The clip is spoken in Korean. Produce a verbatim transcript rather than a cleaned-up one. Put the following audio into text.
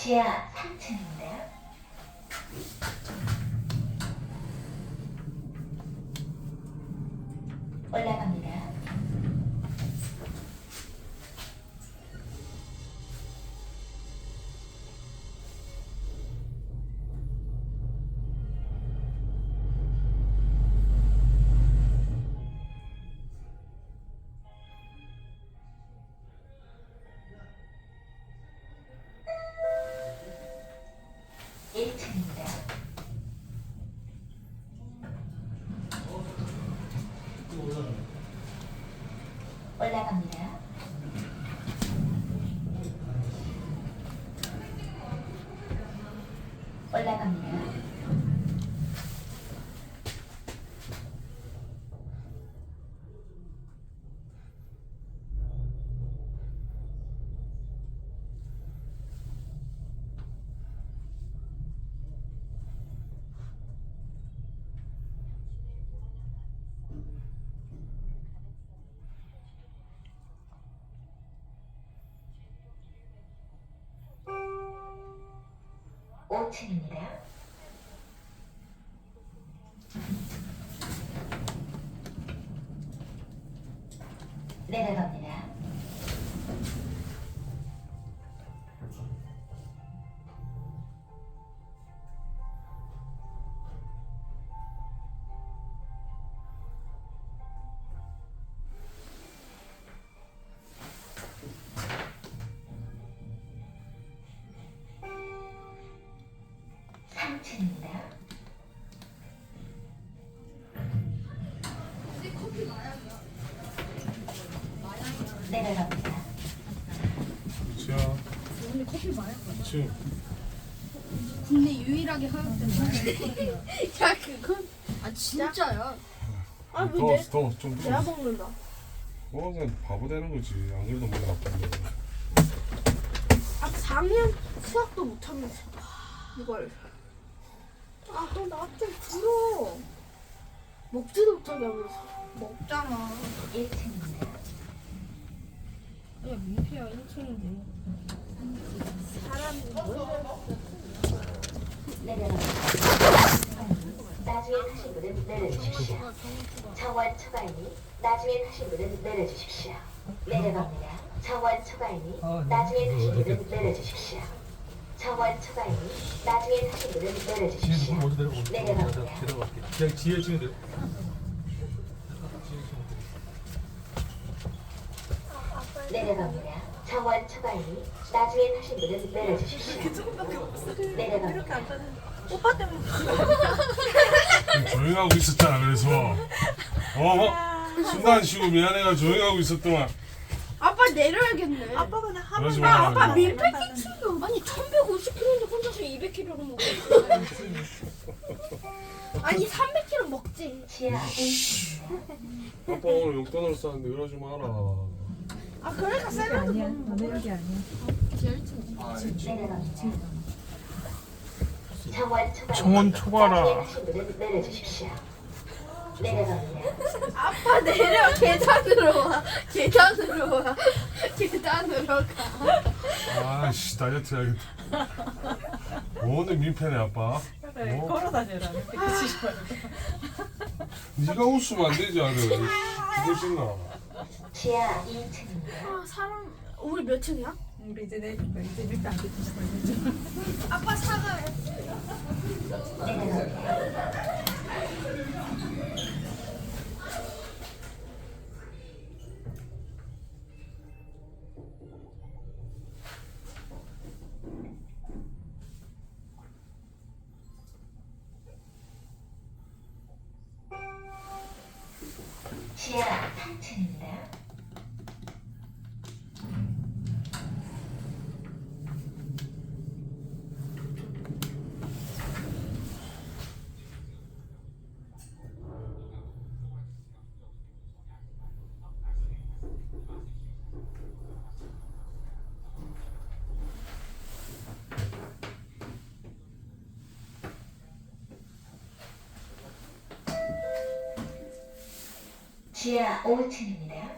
지하 삼 층입니다. 올라갑니다. 일 층입니다. 올라갑니다. 올라갑니다. 오 층입니다. 내려갑니다. 삼 층입니다. 내려갑니다. 자, 오늘 커피 마약 지금 국내 유일하게 허용된 마약. 야 그건 아 진짜야. 아, 왜 더, 내, 더, 좀 내가 더. 먹는다. 어, 그냥 바보 되는 거지. 안 그래도 머리 나쁜데. 아, 사 학년 수학도 못하면서. 이걸. 아, 너 나 좀 들어. 먹지도 못하게 하면서. 먹잖아. 일 층입니다. 야 민폐야 일 층인데. 사람이 뭐? 내려갑니다. 나중에 타실 분은 내려주십시오. 정원 초과이니 나중에 타실 분은 내려주십시오. 내려갑니다. 정원 초과이니 나중에 타실 분은 내려주십시오. 정원 초과이니 나중에 타실 분은 내려주십시오. 지금 먼저 내려오고 내려갑니다. 내려갈게. 그냥 지혜 지금 내려. 내려갑니다. 정원 초과이니 나중에 타실 분은 내려주십시오. 내려갑니다. 오빠 때문에. 좀 조용히 하고 있었잖아, 그래서. 어? 순간 쉬고 미안해가 조용히 하고 있었더만. 아빠 내려야겠네. 아빠가 그냥 한 그러지 번만 마. 아빠 마. 밀폐 끼치고. 아니 천백오십 킬로인데 혼자서 이백 킬로를 먹고 있어. 아니, 삼백 킬로그램 먹지. 지하 일 층입니다. 아빠 오늘 용돈으로 쌌는데 이러지 마라. 아, 그러니까 샐러드 아니야. 먹는 너네 거야. 여기 아니야. 내려갑니다. 정원 초과이니 정원 초과라. 나중에 타실 분은 내려주십시오. 내려갑니다. 아빠 내려. 계단으로 와. 계단으로 와. 계단으로 가. 아이씨, 다이어트 해야겠다. 오늘 민폐네, 아빠. 그래, 어? 걸어 다녀라. 그치지 말고. 네가 웃으면 안 되지, 아들. 죽을 신나. 지하 이 층입니다. 아, 사람. 우리 몇 층이야? 우리 이제 내 이제 밀대 안 듣지 말고. 아빠 사과해. 내려갑니다. 지하 삼 층입니다. 지하 오 층입니다.